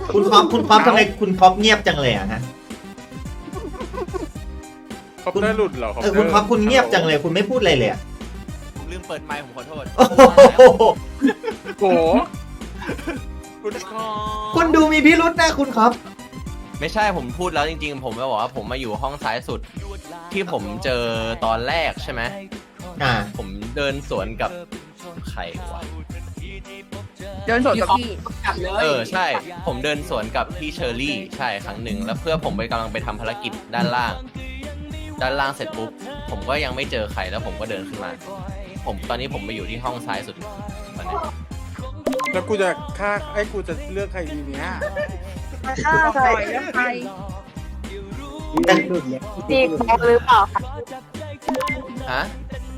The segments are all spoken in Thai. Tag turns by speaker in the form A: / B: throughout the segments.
A: คุณคอปทำไมคุณคอปเงียบจังเลยอะฮะ
B: คอปเตอร์หลุดเหรอ
A: คุณคอปคุณเงียบจังเลยคุณไม่พูดอะไรเลยอะ
C: ผมลืมเปิดไมค์ผมขอโทษ
A: โอ้โห
B: โกคุณคอ
A: คุณดูมีพิรุษนะคุณคอป
C: ไม่ใช่ผมพูดแล้วจริงๆ ผมจะบอกว่าผมมาอยู่ห้องซ้ายสุด ที่ผมเจอตอนแรกใช่ไหม ผมเดินสวนกับใครวะ
D: เดินสวนกับพี่
C: ใช่ ผมเดินสวนกับพี่เชอร์รี่ใช่ครั้งหนึ่งแล้วเพื่อผมไปกำลังไปทำภารกิจด้านล่างเสร็จปุ๊บผมก็ยังไม่เจอใครแล้วผมก็เดินขึ้นมาตอนนี้ผมไปอยู่ที่ห้องซ้ายสุดตอนนี้
B: แล้วกูจะฆ่ากูจะเลือกใครดีเนี้ย
D: ฆ่าใครแล้วใคร
E: จีบอลหรือเปล่าคะ
C: ฮะ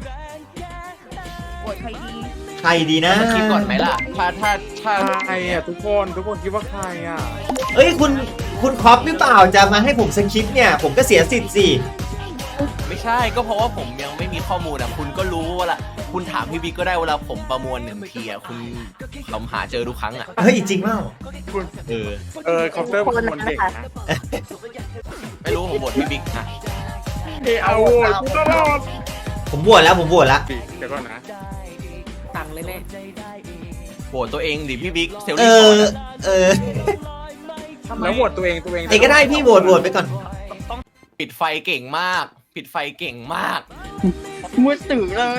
D: โหวตใครดี
A: ใครดีนะ
C: มาคิดก่อนไหมล่ะถ้า
B: ใครอ่ะทุกคนคิดว่าใครอ่ะ
A: เอ้ยคุณคอปหรือเปล่าจะมาให้ผมสคริปต์เนี่ยผมก็เสียสิทธิ์สิ
C: ไม่ใช่ก็เพราะว่าผมยังไม่มีข้อมูลอ่ะคุณก็รู้ว่าละคุณถามพี่บิ๊กก็ได้เวลาผมประมวลหนึ่งทีอ่ะคุณเราหาเจอทุกครั้งอ่ะ
A: เฮ้ยจริงเปล่า
B: คุณ คอปเตอร์เป็นคนเด็กนะ
C: ไม่รู้ผมบทพี่บิ๊กนะ
B: เอาโว้ยกูตลอด
A: ผมบวชแล้วผมบวชแล้ว
B: เดี๋ยวก่อนนะ
D: ตังเลยแม่
C: โหวตตัวเองดิพี่บิ๊กเซล
A: เอ
C: ลี่ก่อน
A: อ
C: อะ
A: เออ
B: แล้วโหวตตัวเอง
A: ไอ้ก็ได้พี่โหวตไปก่อน
C: ปิดไฟเก่งมาก ปิดไฟเก่งมาก
D: มืดตื่นเลย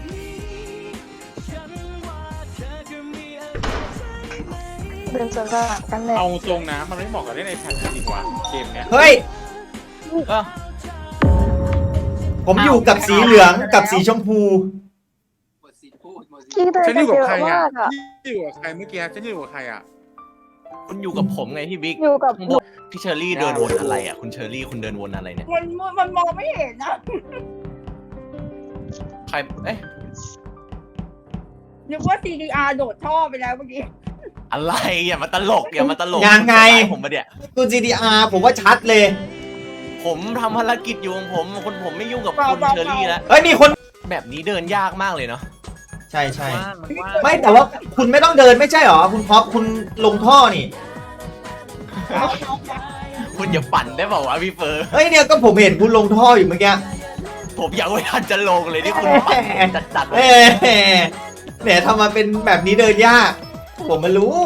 E: เดินสวนกับกันเลย
B: เอาตรงนะมันไม่เหมาะกับเล่นในแพทจริงว่ะเกมเนี้ย
A: เฮ้ย
C: เออ
A: ผมอยู่กับสีเหลืองกับสีชมพู
E: พี่เดิน
B: ฉัน
E: ไป
B: อยู่
E: เย
B: กับ
E: อะ
B: ใครอ่ะ
E: มากอ่ะ
B: ฉันอยู่กับใครเมื่อกี้ฉันอยู่กับใครอ่ะ
C: คุณอยู่กับผมไงพี่บิ๊ก
E: อยู่กับ
C: ข้างบนพี่เชอรี่เดินวนอะไรอ่ะคุณเชอรี่คุณเดินวนอะไรเนี่ย
D: มันมองไม่เห็นนะ
C: ใครเอ๊ะ
D: นึกว่า CDR โดดท่อไปแล้วเมื่อกี้
C: อะไรอย่ามาตลก
A: ยังไง
C: ผมมาเดี๋ย
A: คุณ GDR ผมว่าชัดเลย
C: ผมทำภารกิจอยู่ของผมไม่ยุ่งกับคุณเชอรี่แล้ว
A: เฮ้ยมีคน
C: แบบนี้เดินยากมากเลยเนาะ
A: ใช่ใช่ไม่แต่ว่าคุณไม่ต้องเดินไม่ใช่หรอคุณคอปคุณลงท่อนี่
C: คุณอย่าปั่นได้เปล่าวะพี่เฟิร์น
A: เฮ้ยเนี่ยก็ผมเห็นคุณลงท่ออยู่เมื่อกี้
C: ผมยังไม่ทันจะลงเลยที่คุณปั่นจัดๆเล
A: เอ้
C: ย
A: เนี่ยทำมาเป็นแบบนี้เดินยาก ผมมารู้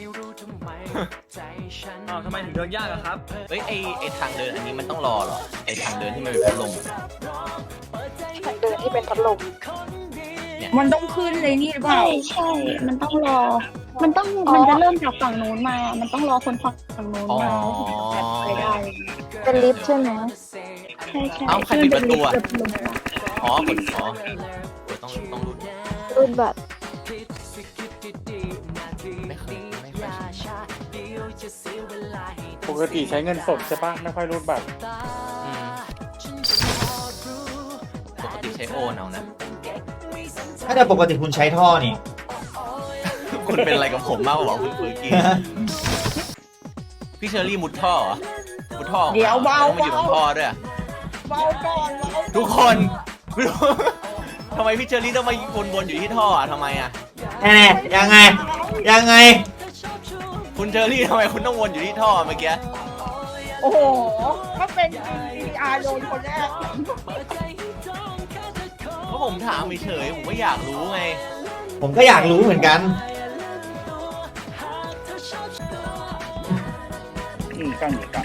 F: อ้าวทำไมถึงเดินยากอะครับ
C: เฮ้ยไอทางเดินอันนี้มันต้องรอเหรอไอทางเดินที่มันเป็นพัดลม
E: ทางเดินที่เป็นพัดลม
D: มันต้องขึ้นเลยนี่หรือเป
G: ใช่
D: ล่า
G: ใช่ มันต้องรอ มันจะเริ่มจากฝั่งนู้นมา มันต้องรอคนฝั่งนู้น
C: อ๋อ
G: มาไปได้
E: เป็นลิฟต์ใช่ไหม
G: ใช่ใช่
C: เอ้าใครปิดประตูอะ
G: เริ่มเป็นลิฟต์
C: อ๋อกดอ๋อต้องรู้
E: รุ่นบัตร
C: ไม่เคยใช้
B: ปกติใช้เงินสดใช่ปะไม่ค่อยรูดบัตร
C: อืมปกติใช้โอนเอานะ
A: ถ้าแต่ปกติคุณใช้ท่อนี่
C: คุณเป็นอะไรกับผมมากกว่าคุณเฟิร์กี้พี่เชอรี่มุดท่อเหรอมุดท่อออกมา
D: เดี๋ยวเบา
C: แล้วมาอยู่ตรงท่อด้วยอะ
D: เบาก่อนเบา
C: ทุกคนไม่รู้ทำไมพี่เชอรี่ต้องมาวนๆอยู่ที่ท่ออ่ะทำไมอ่ะ
A: แน่ๆยังไง ยังไง
C: คุณเชอรี่ทำไมคุณต้องวนอยู่ที่ท่อเมื่อกี้
D: โอ้โหถ้าเป็น CDR โดนคนแรก
C: เพราะผมถามเฉยๆผมก็อยากรู้ไง
A: ผมก็อยากรู้เหมือนกัน
B: กัน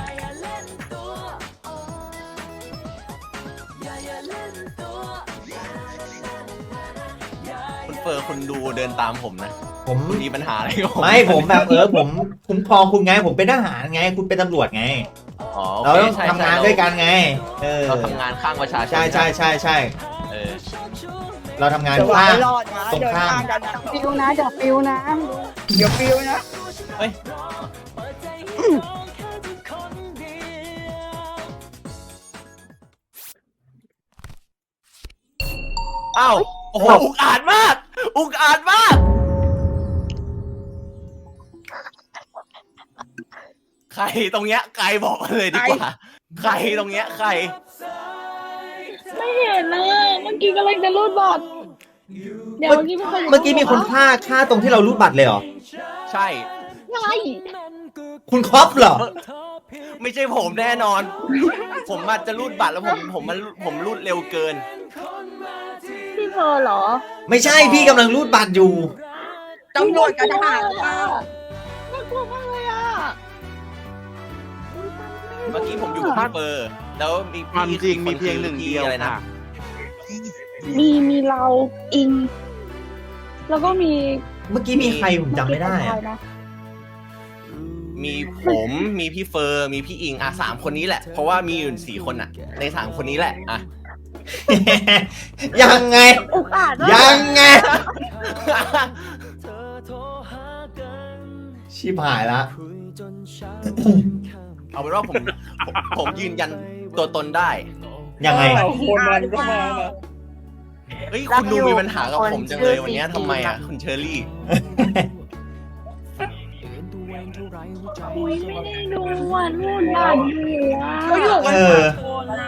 C: คุณเฟอร์คุณดูเดินตามผมนะ
A: ผม
C: คุณมีปัญหาอะไรกับผม
A: ไม่ผมแบบผมคุ้มครองคุณไง ผมเป็นทหารไง คุณเป็นตำรวจไง
C: อ๋อ
A: เรา
C: โอ
A: ต้อง
C: เคใช่
A: ทำงานด้วยกันไง
C: เราทำงานข้างประชาชน
A: ใช่ใช่ใช่ใช่
C: เออ
A: เราทำงาน
D: เดี๋ยว
A: ข้าง
D: ไม่รอดนะ
A: ตรง
D: เดิน
A: ข้าม
D: ทางกันนะ
E: ฟิวนะเดี๋ยวฟิวนะ
D: เดี๋ยวฟิวนะ
C: เฮ้ยอ้าวโอ้โหอุกอาจมาก อุกอาจมาก ใครตรงเนี้ยใครบอกมาเลยดีกว่า ใครตรงเนี้ยใคร
G: ไม่เห็นนะเมื่อกี้กำลังจะรูดบัตรเดี๋ยวเมื่อกี้ไม่เคย
A: เมื่อกี้มีคนฆ่าตรงที่เรารูดบัตรเลยเหรอ
C: ใช่
G: ไง
A: คุณครอปเหรอ
C: ไม่ใช่ผมแน่นอน ผมอาจจะรูดบัตรแล้วผมรูดเร็วเกิน
G: พี่เธอเหรอ
A: ไม่ใช่พี่กำลังรูดบัตรอยู่
D: ตำรวจกับทหารหรือเปล่า
G: น่ากลัวมากเลยอ่ะ
C: เมื่อกี้ผมอยู่กับพี่เปอร์แล้วมี
H: ความจริงมีเพียงหนึ่ง
C: พี่
H: เดียว
C: อะไรนะ
H: ค่ะ
G: มีเราอิง แล้วก็มี
A: เมื่อกี้มีใครผมจำไม่ได้อะ
G: นะ
C: มีผมมีพี่เฟอร์มีพี่อิงสามคนนี้แหละเพราะว่ามีอยู่4 คนใน3 คนนี้แหละอ่ะ
A: ยังไง
G: อุกอาจมาก
A: ยังไง ชิบหายละ
C: เอาเป็นว่าผมยืนยันตัวตนได้
A: ยังไง
B: คนนั้นก็มานะ
C: เฮ้ยคุณดูมีปัญหากับผมจังเลยวันนี้ทำไมอ่ะคุณเชอรี่
G: อุ๊ยไม่ได้ดูอ่ะนู่นบ้านอยู่อ่ะ
D: เขาอยู่กัน
A: เออ
D: คนอ่ะ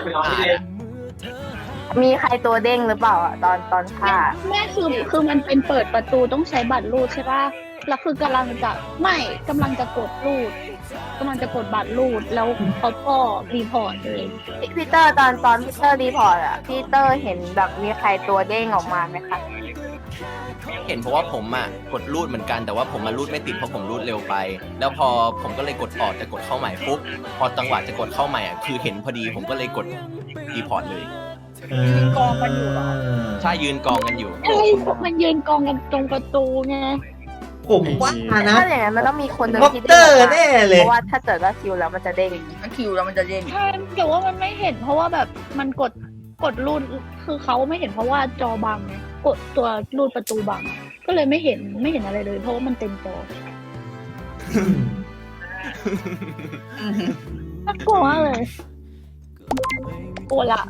E: มีใครตัวเด้งหรือเปล่าอะตอนฆ่า
G: แม่คือมันเป็นเปิดประตูต้องใช้บัตรรูดใช่ป่ะแล้วคือกำลังจะกดรูดกำลังจะกดบัตรรูดแล้วเขาก็รีพอร์ตเลย
E: พี่เตอร์ตอนพี่เตอร์รีพอร์ตอะพี่เตอร์เห็นแบบมีใครตัวเด้งออกมาไหมคะ
C: เห็นเพราะว่าผมกดรูดเหมือนกันแต่ว่าผมมารูดไม่ติดเพราะผมรูดเร็วไป แล้วพอผมก็เลยกดออกจะกดเข้าใหม่ปุ๊บพอจังหวะจะกดเข้าใหม่คือเห็นพอดีผมก็เลยกดรีพอร์ตเลย
D: กองกันอยู่เหรอ
C: ใช่ยืนกองกันอยู่
G: ไอ้มันยืนกองกันตรงประตูไง
A: ผมว่านะ
E: ถ้าอย่างนั้นมันต้องมีคนหนึ่ง
A: คอป
E: ที่
A: เตอ
E: เด้ง
A: ร์แน่เลย
E: เพราะว่าถ้าเกิดว่าคิวแล้วมันจะเด้ง
D: ถ้าคิวแล้วมันจะเด้ง
G: ใช่แต่ว่ามันไม่เห็นเพราะว่าแบบมันกดรูดคือเขาไม่เห็นเพราะว่าจอบังไงกดตัวรูดประตูบังก็เลยไม่เห็นอะไรเลย เพราะว่ามันเต็มจอน่ากลัวมากเลยกลัวละ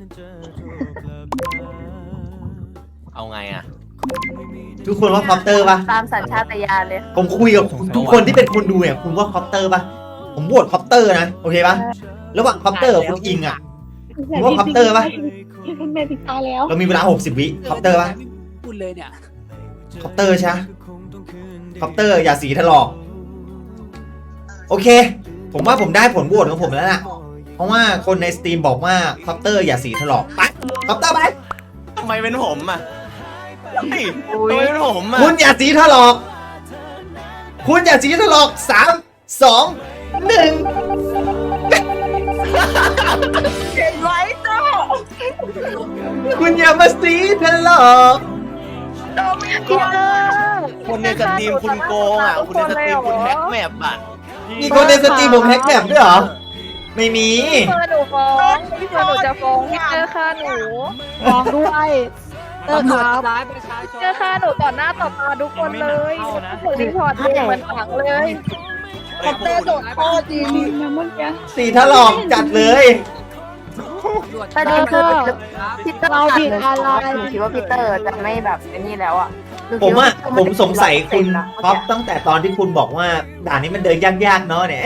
C: เอาไงอ่ะ
A: ทุกคนว่าคอปเตอร์ปะ
E: ตามสัญชาตญาณเลย
A: ผมคุยกับทุกคนที่เป็นคนดูเนี่ยคุณว่าคอปเตอร์ปะผมโหวตคอปเตอร์นะโอเคปะระหว่างคอปเตอร์กับคุณอิงอ่ะ ผมว่าคอปเตอร์ปะ
G: เป็นเมติกาแล้ว
A: เรามีเวลา60 วิคอปเตอร์ปะ
F: พูดเลยเนี่ย
A: คอปเตอร์ใช่ปะคอปเตอร์อย่าสีถลอกโอเค ผมว่าผมได้ผลโหวตของผมแล้วล่ะเพราะว่าคนในสตรีมบอกว่าคอปเตอร์อย่าสีถลอกไปคอปเตอร์ไป
C: ทำไมเป็นผมอ่ะเฮ้ยทำไมเป็นผมอ่ะ
A: คุณอย่าสีถลอก คุณอย่าสีถลอก3 2 1
D: เห็นไว้จ้า
A: คุณอย่ามาสีถลอก
E: พี่เตอร์
C: คนในสตรีมคุณโกงอ่ะคุณในสตรีมคุณแฮกแมปอ่ะ
A: มีคนในสตรีมผมแฮกแบบด้วยเหรอ ไม่มี
E: พี่เตอร์หนูฟ้องพี่เตอร์หนูจะฟ้องพี่เตอร์ฆ่าหนู
G: ฟ้องด้วยเออ
F: ตำร
G: คว
F: จ
G: รับ
F: ทำร้ายประชาชน
E: เจอฆ่าหนูต่อหน้าต่อตาทุกคนเลยหนูรีพอร์ตเลยเหมือนฝังเลย
D: คอปเตอร์โดดท่อจริง
G: นะเมื่อกี้
A: สีถลอกจัดเลย
E: ประเด็นคือ
F: ครับ
E: พี่เตอร์ตัดหนูหนูคิดว่าพี่เตอร์จะไม่แบบไอ้นี่แล้วอ่ะหนู
A: ผ
E: คิ
A: ม
E: ดว่า
A: ผมสงสัยคุณ
E: นะ
A: ท็อปตั้งแต่ตอนที่คุณบอกว่าด่านนี้มันเดินยากๆเนาะเนี่ย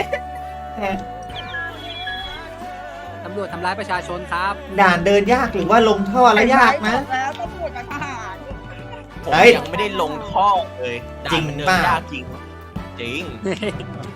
F: ตำรวจทำร้ายประชาชนครับ
A: ด่านเดินยากหรือว่าลงท่อแล้วยากนะ
D: แล้วตำรวจกับทหาร
C: ผม
A: เฮ้ย
C: ยังไม่ได้ลงท่อเลยด่า
A: จริง
C: มันเดิน
A: ป่ะ
C: ยากจริง จริง